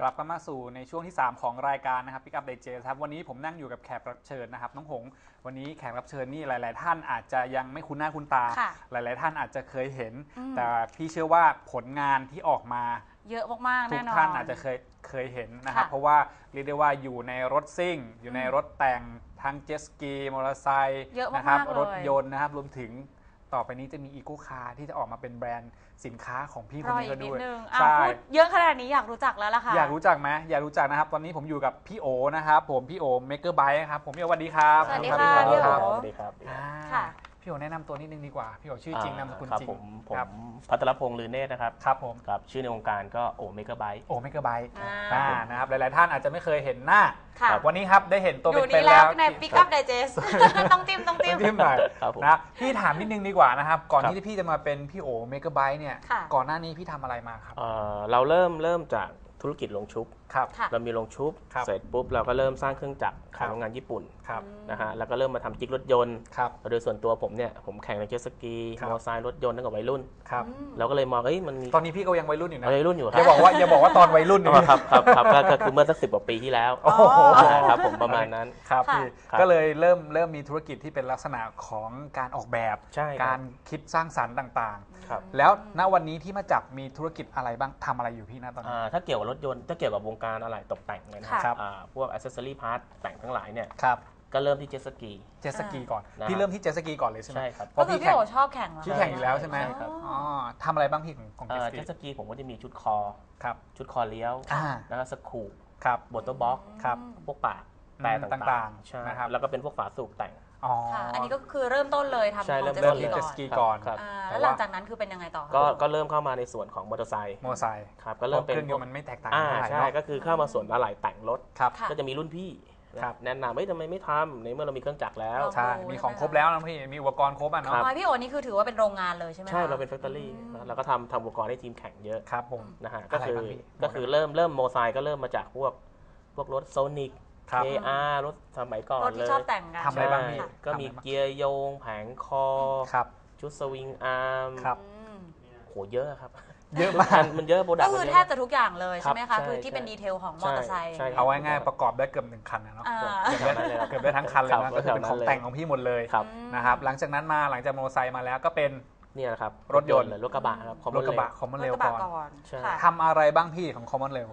กลับกันมาสู่ในช่วงที่ 3 ของรายการนะครับ Pick Up Digest ครับวันนี้ผมนั่งอยู่กับแขกรับเชิญนะครับน้องหงวันนี้แขกรับเชิญนี่หลายๆท่านอาจจะยังไม่คุ้นหน้าคุ้นตาหลายๆท่านอาจจะเคยเห็นแต่พี่เชื่อว่าผลงานที่ออกมาเยอะมากๆทุแน่นอนทุกท่านอาจจะเคยเห็นนะครับเพราะว่าเรียกได้ว่าอยู่ในรถซิ่งอยู่ในรถแต่งทั้งเจ็ตสกีมอเตอร์ไซค์นะครับรถยนต์นะครับรวมถึงต่อไปนี้จะมีอีโก้คาร์ที่จะออกมาเป็นแบรนด์สินค้าของพี่คนนี้ก็ด้วยใช่พูดเยอะขนาดนี้อยากรู้จักแล้วล่ะค่ะอยากรู้จักไหมอยากรู้จักนะครับตอนนี้ผมอยู่กับพี่โอนะครับผมพี่โอเมกเกอร์ไบค์ครับผมพี่โอสวัสดีครับสวัสดีค่ะพี่โอสวัสดีครับค่ะพี่โอแนะนำตัวนิดนึงดีกว่าพี่โอชื่อจริงนามสกุลจริงผมภัทรพงษ์ลือเนตรนะครับครับผมกับชื่อในวงการก็โอเมกเกอร์ไบค์โอเมกเกอร์ไบค์นะครับหลายๆท่านอาจจะไม่เคยเห็นหน้าวันนี้ครับได้เห็นตัวเป็นๆแล้วใน Pick Up Digest ต้องจิ้มหน่อยนะพี่ถามนิดนึงดีกว่านะครับก่อนที่พี่จะมาเป็นพี่โอเมกเกอร์ไบค์เนี่ยก่อนหน้านี้พี่ทำอะไรมาครับเราเริ่มจากธุรกิจโรงชุบเรามีโรงชุบเสร็จปุ๊บเราก็เริ่มสร้างเครื่องจักรขายโรงงานญี่ปุ่นนะฮะแล้วก็เริ่มมาทำจิ๊กรถยนต์โดยส่วนตัวผมเนี่ยผมแข่งในเจ็ตสกีมอเตอร์ไซค์รถยนต์ตั้งแต่วัยรุ่นเราก็เลยมองมันมีตอนนี้พี่ก็ยังวัยรุ่นอยู่นะวัยรุ่นอยู่อย่าบอกว่าตอนวัยรุ่นครับก็คือเมื่อสัก10 กว่าปีที่แล้วครับผมประมาณนั้นครับพี่ก็เลยเริ่มมีธุรกิจที่เป็นลักษณะของการออกแบบการคิดสร้างสรรค์ต่างๆแล้วณวันนี้ที่มาจับมีธุรกิจอะไรบ้างทำอะไรอยู่พี่ณตอนนี้ถ้าเกี่ยวกับรถยนต์ถ้าเกี่ยวกับวงการอะไรตกแต่งเลยนะครับพวก accessory part แต่งทั้งหลายเนี่ยก็เริ่มที่เจ็ตสกีก่อนพี่เริ่มที่เจ็ตสกีก่อนเลยใช่ไหมใช่ครับเพราะพี่โอชอบแข่งชื่อแข่งอยู่แล้วใช่ไหมทำอะไรบ้างพี่ของเจ็ตสกีผมก็จะมีชุดคอชุดคอเลี้ยวนะครับสกู๊ปบอตเตอร์บ็อกพวกปากแต่ต่างๆนะครับแล้วก็เป็นพวกฝาสูบแต่งอันนี้ก็คือเริ่มต้นเลยทำของเจ็ตสกีก่อนแล้วหลังจากนั้นคือเป็นยังไงต่อก็เริ่มเข้ามาในส่วนของมอเตอร์ไซค์ครับก็เริ่มเป็นเครื่องยนต์มันไม่แตกต่างใช่ก็คือเข้ามาส่วนอะไหล่แต่งรถก็จะมีรุ่นพี่แนะนำทำไมไม่ทำในเมื่อเรามีเครื่องจักรแล้วใช่มีของครบแล้วนะพี่มีอุปกรณ์ครบอ่ะเนาะพี่โอนี่คือถือว่าเป็นโรงงานเลยใช่ไหมใช่เราเป็นแฟคทอรี่เราก็ทำอุปกรณ์ให้ทีมแข่งเยอะครับผมนะฮะก็คือเริ่มโมไซค์ก็เริ่มมาจากพวกรถโซนิกKR รถสมัยก่อนเลยรถที่ชอบแต่งกันทำอะไรบ้างพี่ก็มีเกียร์โยงแผงคอชุดสวิงอาร์มโหเยอะครับเยอะมากมันเยอะโปรดักต์ก็คือแทบจะทุกอย่างเลยใช่ไหมคะคือที่เป็นดีเทลของมอเตอร์ไซค์เอาไว้ง่ายประกอบได้เกือบ1 คันนะเนาะเกือบได้ทั้งคันเลยนะก็คือเป็นของแต่งของพี่หมดเลยนะครับหลังจากนั้นมาหลังจากมอเตอร์ไซค์มาแล้วก็เป็นนี่แหละครับรถยนต์รถกระบะครับรถกระบะคอมมอนเรลก่อนทำอะไรบ้างพี่ของคอมมอนเรล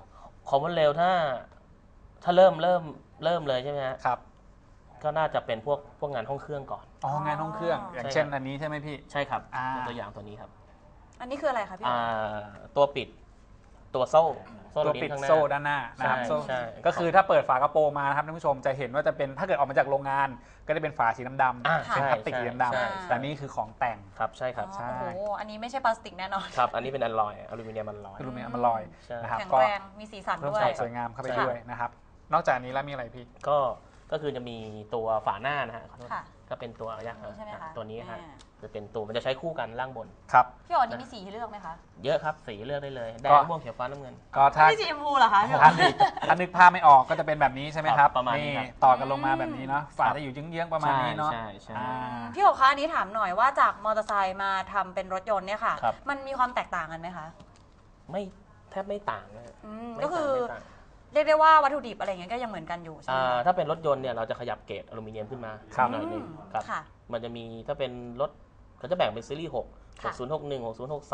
ถ้าเริ่มเลยใช่ไหมครับก็น่าจะเป็นพวกงานห้องเครื่องก่อนงานห้องเครื่องอย่างเช่นอันนี้ใช่ไหมพี่ใช่ครับตัวอย่างตัวนี้ครับอันนี้คืออะไรคะพี่ตัวปิดตัวโซ่ตัวปิดโซ่ด้านหน้านะครับก็คือถ้าเปิดฝากระโปรงมาครับท่านผู้ชมจะเห็นว่าจะเป็นถ้าเกิดออกมาจากโรงงานก็จะเป็นฝาสีดำๆเป็นพลาสติกสีดำๆแต่นี่คือของแต่งครับใช่ครับโอ้โหอันนี้ไม่ใช่พลาสติกแน่นอนครับอันนี้เป็นอลูมิเนียมอลลอยนะครับแข็งแรงมีสีสันด้วยสวยงามเข้าไปด้วยนะครับนอกจากนี้แล้วมีอะไรพี่ก็คือจะมีตัวฝาหน้านะฮะก็เป็นตัวตัวนี้ฮะจะเป็นตัวมันจะใช้คู่กันล่างบนครับพี่อ๋อนี่มีสีให้เลือกไหมคะเยอะครับสีเลือกได้เลยแดงม่วงเขียวฟ้าน้ำเงินก็ถ้าสีชมพูเหรอคะถ้านึกภาพไม่ออกก็จะเป็นแบบนี้ใช่ไหมครับนี่ต่อกันลงมาแบบนี้เนาะฝาจะอยู่เยื้องๆประมาณนี้เนาะพี่อ๋อคะอันนี้ถามหน่อยว่าจากมอเตอร์ไซค์มาทำเป็นรถยนต์เนี่ยค่ะมันมีความแตกต่างกันไหมคะแทบไม่ต่างเลยก็คือเรียกได้ว่าวัตถุดิบอะไรเงี้ยก็ยังเหมือนกันอยู่ใช่ไหมถ้าเป็นรถยนต์เนี่ยเราจะขยับเกรดอลูมิเนียมขึ้นมาหน่อยนึงครับมันจะมีถ้าเป็นรถเราจะแบ่งเป็นซีรีส์6 6061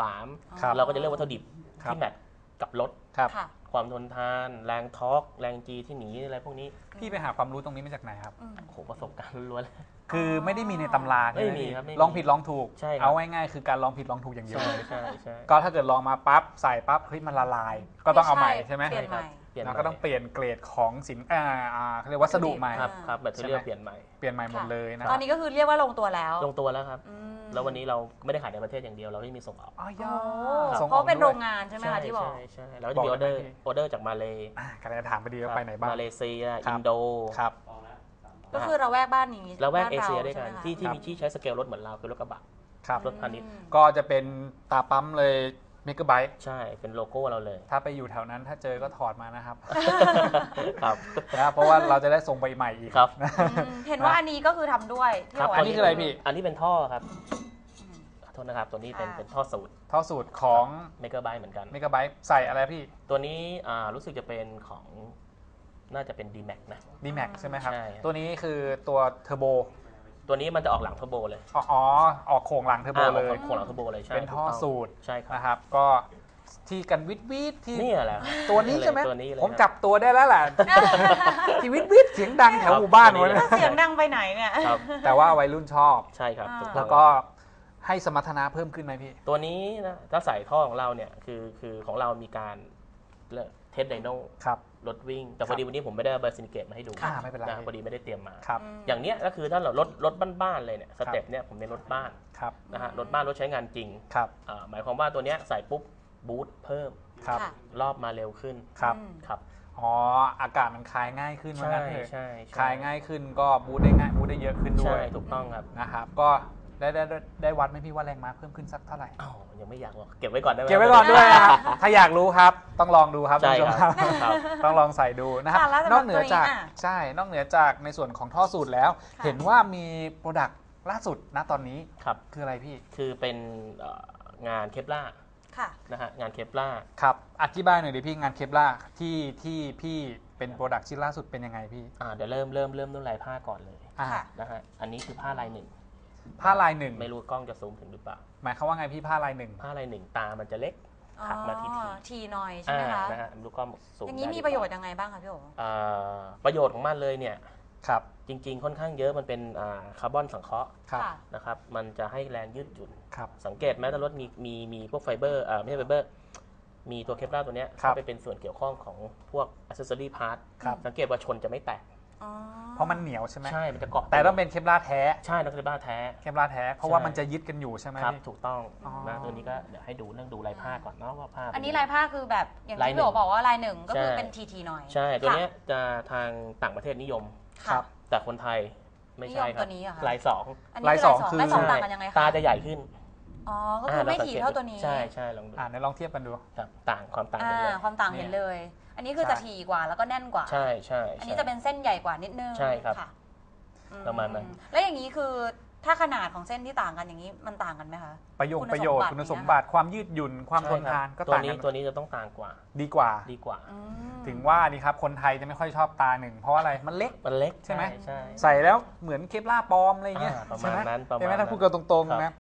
6063เราก็จะเลือกวัตถุดิบที่แมทกับรถความทนทานแรงทอร์กแรงจีที่หนีอะไรพวกนี้พี่ไปหาความรู้ตรงนี้มาจากไหนครับโอ้โหประสบการณ์ล้วนๆคือไม่ได้มีในตำราไม่มีครับลองผิดลองถูกเอาง่ายๆคือการลองผิดลองถูกอย่างเดียวก็ถ้าเกิดลองมาปั๊บใส่ปั๊บเฮ้ยมันละลายก็ต้องเอาใหม่ใช่ไหมเราก็ต้องเปลี่ยนเกรดของสินเขาเรียกวัสดุใหม่ครับแบตเตอรี่เปลี่ยนใหม่หมดเลยนะตอนนี้ก็คือเรียกว่าลงตัวแล้วครับแล้ววันนี้เราไม่ได้ขายในประเทศอย่างเดียวเราไม่มีส่งออกเพราะเป็นโรงงานใช่ไหมคะที่บอกใช่แล้วจะมีออเดอร์จากมาเลกำลังจะถามไปดีว่าไปไหนบ้างมาเลเซียอินโดครับก็คือเราแวกบ้านนี้เราแวกเอเชียด้วยกันที่ใช้สเกลรถเหมือนเราคือรถกระบะรถพาณิชย์ก็จะเป็นตาปั๊มเลยเมกะไบต์ใช่เป็นโลโก้เราเลยถ้าไปอยู่แถวนั้นถ้าเจอก็ถอดมานะครับนะเพราะว่าเราจะได้ส่งไปใหม่อีกครับเห็นว่าอันนี้ก็คือทำด้วยอันนี้คืออะไรพี่อันนี้เป็นท่อครับษนะครับตัวนี้เป็นท่อสูตรของเมกะไบต์เหมือนกันเมกะไบต์ใส่อะไรพี่ตัวนี้รู้สึกจะเป็นของน่าจะเป็น D-Max นะ D-Max ใช่ไหมครับตัวนี้คือตัวเทอร์โบตัวนี้มันจะออกหลังเทอร์โบเลยอ๋อออกโค้งหลังเทอร์โบเลยโค้งหลังเทอร์โบเลยใช่เป็นท่อสูตรใช่ครับนะครับก็ที่กันวิทที่นี่แหละตัวนี้ใช่ไหมผมจับตัวได้แล้วแหละที่วิทเสียงดังแถวหมู่บ้านวันเสียงดังไปไหนเนี่ยแต่ว่าวัยรุ่นชอบใช่ครับแล้วก็ให้สมรรถนะเพิ่มขึ้นไหมพี่ตัวนี้นะถ้าใส่ท่อของเราเนี่ยคือของเรามีการเทสไดโน่รถวิ่งแต่พอดีวันนี้ผมไม่ได้เอาเบอร์ซินิเกตมาให้ดูไม่เป็นไรพอดีไม่ได้เตรียมมาอย่างเนี้ยก็คือถ้าเรารถบ้านๆเลยเนี่ยสเต็ปเนี่ยผมเป็นรถบ้านนะฮะรถบ้านรถใช้งานจริงหมายความว่าตัวเนี้ยใส่ปุ๊บบูทเพิ่มรอบมาเร็วขึ้นครับอ๋ออากาศมันคลายง่ายขึ้นว่างั้นเถอะใช่คลายง่ายขึ้นก็บูทได้ง่ายบูทได้เยอะขึ้นด้วยถูกต้องครับนะครับก็ได้วัดไหมพี่ว่าแรงม้าเพิ่มขึ้นสักเท่าไหร่ยังไม่อยากบอกเก็บไว้ก่อนได้ไหมเก็บไว้ก่อนด้วยครับถ้าอยากรู้ครับต้องลองดูครับใช่ครับต้องลองใส่ดูนะครับนอกเหนือจากในส่วนของท่อสูตรแล้วเห็นว่ามีโปรดักต์ล่าสุดณตอนนี้คืออะไรพี่คือเป็นงานเคปล่านะฮะงานเคปล่าครับอธิบายหน่อยดิพี่งานเคปล่าที่พี่เป็นโปรดักต์ชิ้นล่าสุดเป็นยังไงพี่เดี๋ยวเริ่มด้วยลายผ้าก่อนเลยนะฮะอันนี้คือผ้าลายหนึ่งไม่รู้กล้องจะซูมถึงหรือเปล่าหมายความว่าไงพี่ผ้าลายหนึ่งตามันจะเล็กถักมาทีหน่อยใช่ไหมคะนะฮะดูกล้องซูมอย่างนี้มีประโยชน์ยังไงบ้างคะพี่โอ๋ประโยชน์ของมันเลยเนี่ยครับจริงๆค่อนข้างเยอะมันเป็นคาร์บอนสังเคราะห์นะครับมันจะให้แรงยืดหยุ่นสังเกตแม้แต่รถมีพวกไฟเบอร์ไม่ใช่ไฟเบอร์มีตัวเคปล่าตัวนี้เข้าไปเป็นส่วนเกี่ยวข้องของพวกอัซเซอรี่พาร์ทสังเกตว่าชนจะไม่แตกเพราะมันเหนียวใช่ไหมใช่มันจะเกาะแต่ต้องเป็นเคปล่าแท้ใช่ต้องเคปล่าแท้เพราะว่ามันจะยึดกันอยู่ใช่ไหมครับถูกต้องนะตัวนี้ก็เดี๋ยวให้ดูเรื่องดูลายผ้าก่อนเนาะว่าผ้าอันนี้ลายผ้าคือแบบอย่างที่พี่โอ๋บอกว่าลายหนึ่งก็คือเป็นทีหน่อยใช่ตัวนี้จะทางต่างประเทศนิยมแต่คนไทยไม่ใช่ครับลายสองคือต่างกันยังไงคะตาจะใหญ่ขึ้นก็คือไม่ถี่เท่าตัวนี้ใช่ลองดูลองเทียบกันดูความต่างความต่างเห็นเลยอันนี้คือจะถี่กว่าแล้วก็แน่นกว่าใช่อันนี้จะเป็นเส้นใหญ่กว่านิดนึงใช่ครับประมาณนั้นแล้วอย่างนี้คือถ้าขนาดของเส้นที่ต่างกันอย่างนี้มันต่างกันไหมคะประโยชน์คุณสมบัติความยืดหยุ่นความทนทานก็ต่างกันตัวนี้จะต้องต่างกว่าดีกว่าถึงว่านี่ครับคนไทยจะไม่ค่อยชอบตาหนึ่งเพราะอะไรมันเล็กใช่ไหมใส่แล้วเหมือนเคปล่าปลอมอะไรเงี้ยประมาณนั้นใช่ไหมถ้าพูดกันตรงๆนะ